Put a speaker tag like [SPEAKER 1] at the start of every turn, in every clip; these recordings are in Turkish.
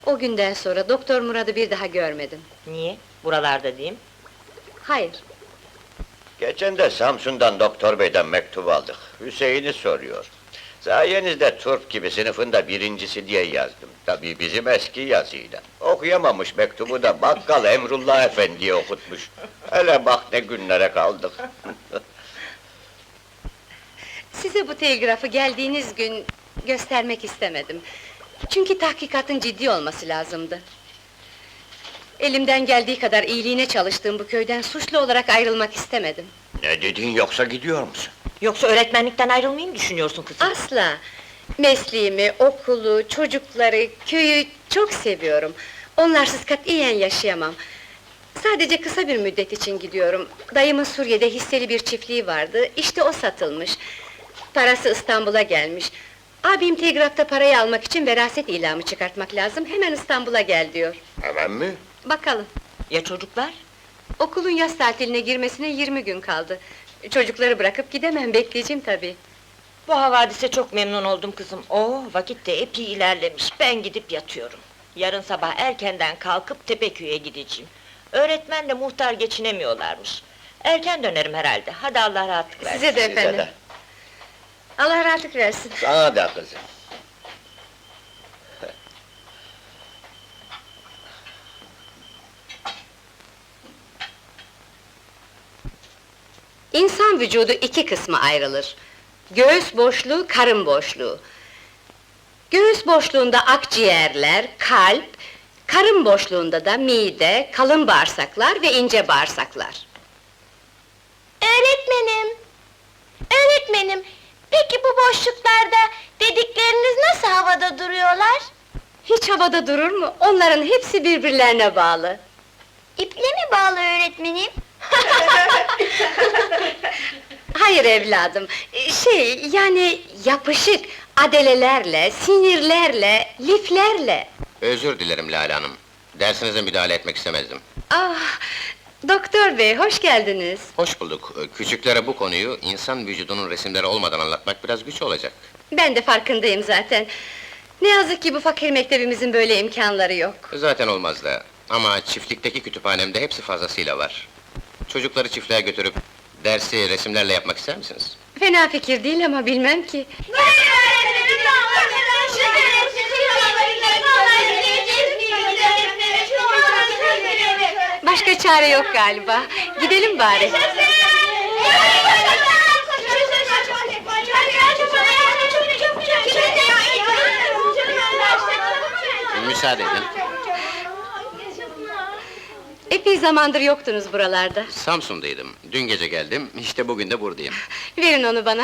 [SPEAKER 1] O günden sonra Doktor Murat'ı bir daha görmedim.
[SPEAKER 2] Niye? Buralarda diyeyim.
[SPEAKER 1] Hayır,
[SPEAKER 3] Geçen de Samsun'dan doktor beyden mektup aldık. Hüseyin'i soruyor. Sayenizde turp gibi sınıfında birincisi diye yazdım. Tabii bizim eski yazıyla. Okuyamamış mektubu da bakkal Emrullah Efendi'ye okutmuş. Hele bak ne günlere kaldık.
[SPEAKER 1] size bu telgrafı geldiğiniz gün göstermek istemedim. Çünkü tahkikatın ciddi olması lazımdı. Elimden geldiği kadar iyiliğine çalıştığım bu köyden suçlu olarak ayrılmak istemedim.
[SPEAKER 3] Ne dedin yoksa gidiyor musun?
[SPEAKER 2] Yoksa öğretmenlikten ayrılmayı mı düşünüyorsun kızım?
[SPEAKER 1] Asla! Mesleğimi, okulu, çocukları, köyü çok seviyorum. Onlarsız katiyen yaşayamam. Sadece kısa bir müddet için gidiyorum. Dayımın Suriye'de hisseli bir çiftliği vardı, işte o satılmış. Parası İstanbul'a gelmiş. Abim telgrafta parayı almak için veraset ilamı çıkartmak lazım, hemen İstanbul'a gel diyor.
[SPEAKER 3] Hemen mi?
[SPEAKER 1] Bakalım,
[SPEAKER 2] Ya çocuklar?
[SPEAKER 1] okulun yaz tatiline girmesine 20 gün kaldı. Çocukları bırakıp gidemem, bekleyeceğim tabii.
[SPEAKER 2] Bu havadise çok memnun oldum kızım. Oo, vakit de epey ilerlemiş. Ben gidip yatıyorum. Yarın sabah erkenden kalkıp Tepeköy'e gideceğim. Öğretmenle muhtar geçinemiyorlarmış. Erken dönerim herhalde. Hadi Allah rahatlık versin.
[SPEAKER 1] Size de
[SPEAKER 3] Size
[SPEAKER 1] efendim.
[SPEAKER 3] de.
[SPEAKER 1] Allah rahatlık versin.
[SPEAKER 3] Sana da kızım.
[SPEAKER 1] İnsan vücudu iki kısma ayrılır. Göğüs boşluğu, karın boşluğu. Göğüs boşluğunda akciğerler, kalp, karın boşluğunda da mide, kalın bağırsaklar ve ince bağırsaklar.
[SPEAKER 4] Öğretmenim! Öğretmenim! Peki bu boşluklarda dedikleriniz nasıl havada duruyorlar?
[SPEAKER 1] Hiç havada durur mu? Onların hepsi birbirlerine bağlı.
[SPEAKER 4] İple mi bağlı öğretmenim?
[SPEAKER 1] Hayır evladım, yani yapışık, adelelerle, sinirlerle, liflerle.
[SPEAKER 5] Özür dilerim Lale Hanım. Dersinize müdahale etmek istemezdim.
[SPEAKER 1] Ah, doktor bey, hoş geldiniz.
[SPEAKER 5] Hoş bulduk. Küçüklere bu konuyu insan vücudunun resimleri olmadan anlatmak biraz güç olacak.
[SPEAKER 1] Ben de farkındayım zaten. Ne yazık ki bu fakir mektebimizin böyle imkanları yok.
[SPEAKER 5] Zaten olmaz da. Ama çiftlikteki kütüphanemde hepsi fazlasıyla var. Çocukları çiftliğe götürüp dersi resimlerle yapmak ister misiniz?
[SPEAKER 1] Fena fikir değil ama bilmem ki. Başka çare yok galiba. Gidelim bari.
[SPEAKER 5] Müsaade edin.
[SPEAKER 1] Epey zamandır yoktunuz buralarda.
[SPEAKER 5] Samsun'daydım. Dün gece geldim, işte bugün de buradayım.
[SPEAKER 1] Verin onu bana.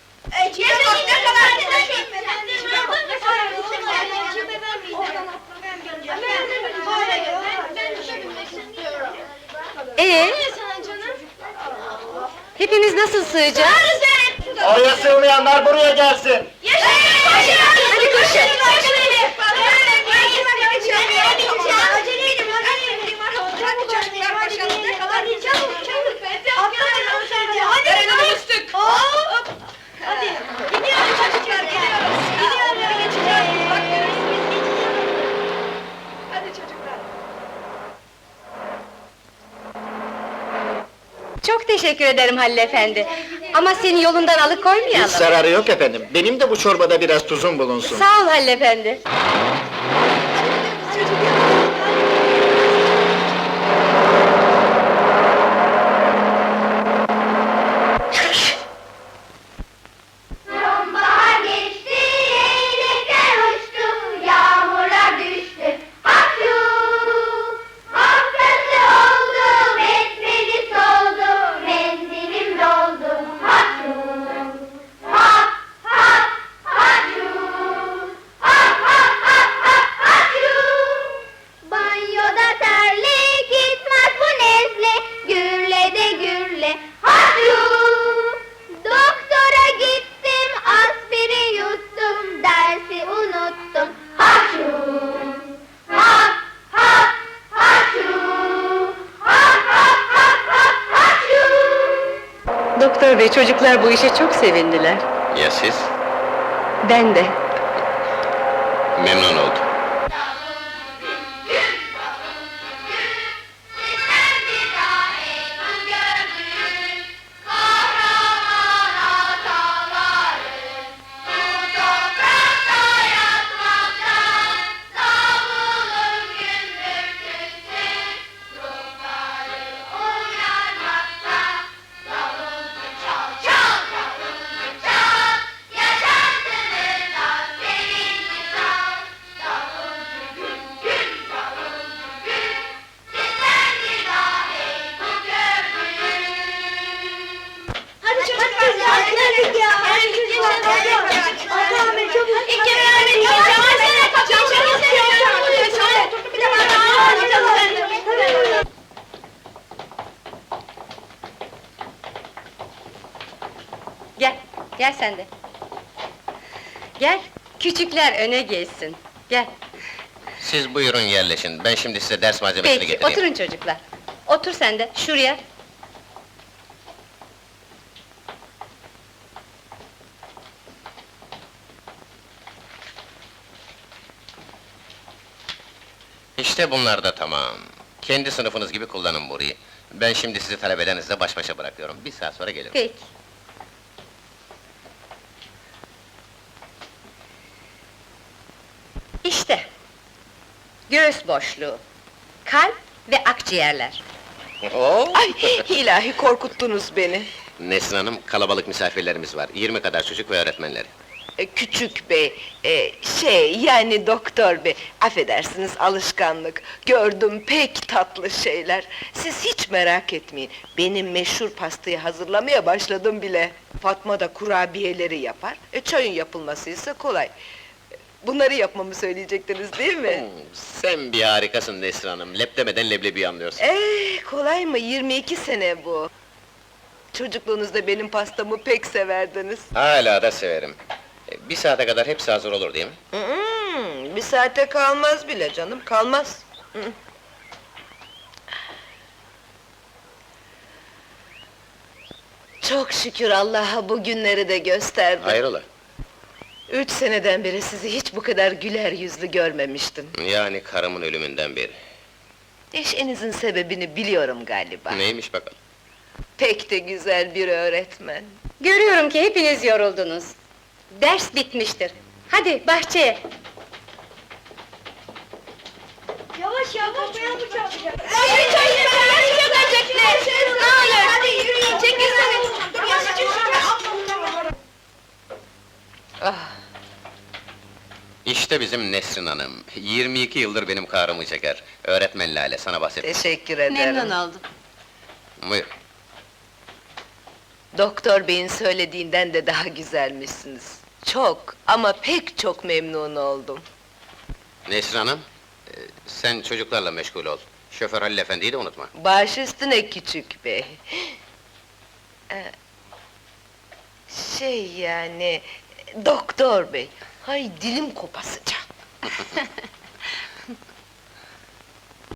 [SPEAKER 1] Hepimiz nasıl sığacağız?
[SPEAKER 3] Oraya sığmayanlar buraya gelsin!
[SPEAKER 1] Hadi koşun! Çok teşekkür ederim Halil efendi. Ama seni yolundan alıkoymayalım.
[SPEAKER 6] Hiç zararı yok efendim. Benim de bu çorbada biraz tuzum bulunsun.
[SPEAKER 1] Sağ ol Halil efendi.
[SPEAKER 4] Sonbahar geçti, leylekler uçtu, yağmurlar düştü. Hakkı! Hakkası oldu, besmeli soldu, menzilim doldu. Hakkı! Hak, hak, hakkı! Hak, hak, hak, hak, hakkı! Banyoda terlik gitmez bu nezle, gürle de gürle. Hakkı! Doktora gittim, aspiri yuttum, dersi unuttum. Haşu! Hak, hak, haşu! Hak, hak, hak, hak, haşu!
[SPEAKER 1] Doktor bey, çocuklar bu işe çok sevindiler.
[SPEAKER 5] Ya siz?
[SPEAKER 1] Ben de.
[SPEAKER 5] Memnun oldum.
[SPEAKER 1] sen de. Gel, küçükler öne geçsin. Gel.
[SPEAKER 5] Siz buyurun yerleşin, ben şimdi size ders malzemesini
[SPEAKER 1] Peki,
[SPEAKER 5] getireyim.
[SPEAKER 1] oturun çocuklar. Otur sen de, şuraya.
[SPEAKER 5] İşte bunlar da tamam. Kendi sınıfınız gibi kullanın burayı. Ben şimdi sizi talebelerinizle baş başa bırakıyorum. Bir saat sonra gelirim.
[SPEAKER 1] Peki. İşte. Göğüs boşluğu, kalp ve akciğerler.
[SPEAKER 5] Oo!
[SPEAKER 7] Ay ilahi korkuttunuz beni.
[SPEAKER 5] Nesrin Hanım, kalabalık misafirlerimiz var. 20 kadar çocuk ve öğretmenleri.
[SPEAKER 7] Küçük bey, yani doktor bey, affedersiniz alışkanlık. Gördüm pek tatlı şeyler. Siz hiç merak etmeyin. Benim meşhur pastayı hazırlamaya başladım bile. Fatma da kurabiyeleri yapar. Çayın yapılması ise kolay. Bunları yapmamı söyleyecektiniz değil mi?
[SPEAKER 5] Sen bir harikasın Nesrin Hanım. Lep demeden leblebi anlıyorsun.
[SPEAKER 7] Kolay mı? 22 sene bu. Çocukluğunuzda benim pastamı pek severdiniz.
[SPEAKER 5] Hala da severim. Bir saate kadar hepsi hazır olur değil mi?
[SPEAKER 7] Bir saate kalmaz bile canım, kalmaz. Çok şükür Allah'a bu günleri de gösterdi.
[SPEAKER 5] Hayrola?
[SPEAKER 7] 3 seneden beri sizi hiç bu kadar güler yüzlü görmemiştim.
[SPEAKER 5] Yani karımın ölümünden beri.
[SPEAKER 7] Neşenizin sebebini biliyorum galiba.
[SPEAKER 5] Neymiş bakalım?
[SPEAKER 7] Pek de güzel bir öğretmen.
[SPEAKER 1] Görüyorum ki hepiniz yoruldunuz. Ders bitmiştir. Hadi bahçeye.
[SPEAKER 4] Yavaş yavaş ben bu çarpacak.
[SPEAKER 1] Hadi yürüyün, çekilsene.
[SPEAKER 5] İşte bizim Nesrin Hanım. 22 yıldır benim karımı çeker. Öğretmen Lale, sana bahsettim.
[SPEAKER 7] Teşekkür ederim.
[SPEAKER 1] Memnun oldum.
[SPEAKER 5] Buyur.
[SPEAKER 7] Doktor beyin söylediğinden de daha güzelmişsiniz. Çok ama pek çok memnun oldum.
[SPEAKER 5] Nesrin Hanım, sen çocuklarla meşgul ol. Şoför Halil Efendi'yi de unutma.
[SPEAKER 7] Baş üstüne küçük bey. Yani... Doktor bey, hay dilim kopasıca.